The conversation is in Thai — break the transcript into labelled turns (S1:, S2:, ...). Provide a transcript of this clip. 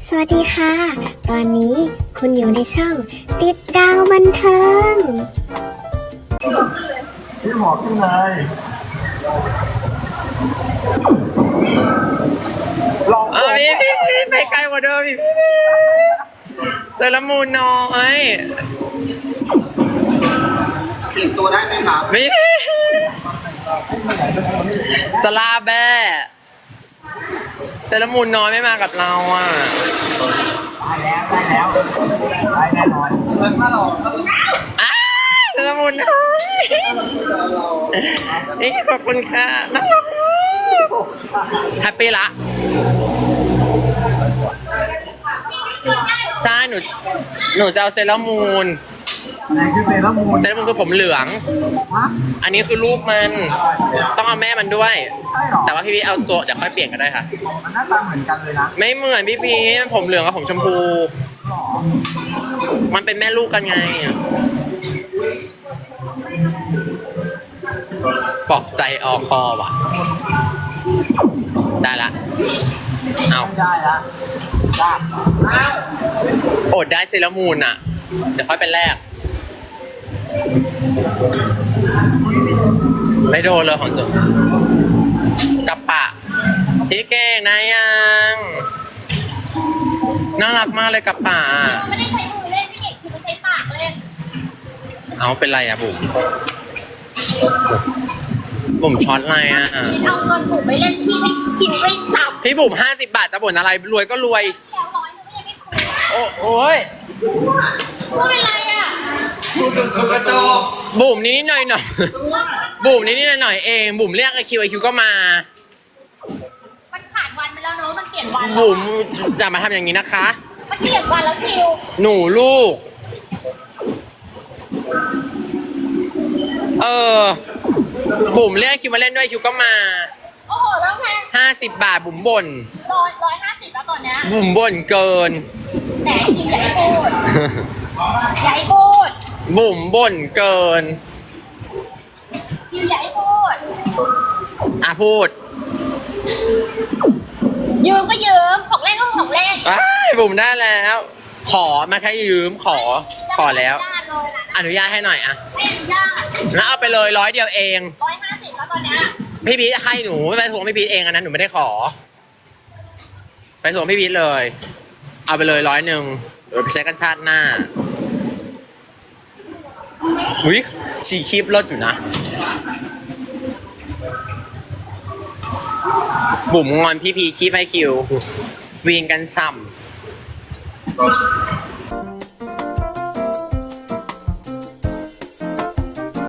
S1: สวัสดีค่ะ ตอนนี้คุณอยู่ในช่องติดดาวบันเทิง
S2: พี่หมอขึ้นเลยลอง
S3: พี่ไปไกลกว่าเดิมอีกเซรามูนน้อย
S2: เปลี่ยนตัวได้ไหมครับ
S3: พี่สลาแบ้เซรามูนน้อยไม่มากับเราอ่ะ
S2: ได้แน่นอนถ้าเรา
S3: อ้าเซรามูนน้อยนี่ขอบคุณค่ะน่ารักแฮปปี้ละใช่หนูจะเอาเซรามูน
S2: ไหนคือเซรามูน
S3: เซรามูนคือผมเหลือง
S2: ฮะ
S3: อันนี้คือลูกมันต้องเอาแม่มันด้วย
S2: ใช่หรอ
S3: แต่ว่าพี่พีเอาตัวเดี๋ยวค่อยเปลี่ยนก็ได้ค่ะ
S2: มันหน้าตาเหมือนกันเลยนะ
S3: ไม่เหมือนพี่พีผมเหลืองกับผมชมพู
S2: หรอ
S3: มันเป็นแม่ลูกกันไงปลอบใจออคอว่ะ ได้ละ เอา
S2: ไม่ได้ละได้
S3: อดได้เซรามูนอ่ะ เดี๋ยวค่อยเป็นแรก ไม่โดนเลยของจุ๊กระปะพี่เก่งนะยังน่ารักมากเลยกระปะ
S4: ไม่ได้ใช้มือเล่นพี่เก่งคือมันใช้ปากเล่น
S3: เอาเป็นไรอะบุ๋มบุ๋มช็อตอะไรอะ
S4: เอาเงินบุ๋มไปเล่นที่ให้คิวได้ซ้ำ
S3: พี่บุ๋ม50 บาทจะบ่นอะไรรวยก็รวย
S4: แล้วร้อยนึงก็ยังไม่คุ้ม
S3: โอ้ย
S4: ว่าเป็นไรอ่ะ
S2: ดูตัวชกกระจก
S3: บุ๋มนิดๆหน่อยๆบุ๋มนิดๆหน่อยๆเองบุ๋มเรียกไอคิวก็มา
S4: มันผ่านวันไปแล้วเนอะมันเปลี่ยนวันแล้ว
S3: บุ๋มจะมาทำอย่างนี้นะคะ
S4: มันเปลี่ยนวันแล้วคิว
S3: หนูลูก บุ๋มเรียกคิวมาเล่นด้วยคิวก็มา
S4: โอ้โหแล้วไง
S3: 50 บาทบุ๋มบ่น
S4: 150แล้วตอนเนี้ย
S3: บุ๋มบ่นเกิน
S4: แหมคิวอย่าให้พูดอย่าให้พูด
S3: บุ๋มบ่นเกิน
S4: คิวอย่าให้พูด
S3: อ่ะพูด
S4: ยืมก็ยืมของเล่นก็ของเล่น
S3: อ้ายบุ๋มได้แล้ว ขอมาแค่ยืมขอแล้ว อนุญาตให้หน่อยอะ
S4: ไม่อนุญาต
S3: แล้วเอาไปเลย100 เดียวเอง
S4: 150แล้วตอนเนี้ย
S3: พี่พีทให้หนูไม่ไปทวงพี่พีทเองอันนั้นหนูไม่ได้ขอ ไปทวงพี่พีทเลย เอาไปเลย100เดี๋ยวไปใช้กันชาติหน้าอุ้ยชีคลิปรถอยู่นะ บุ๋มงอนพี่พีคีบให้คิว วีนกันซ้ำ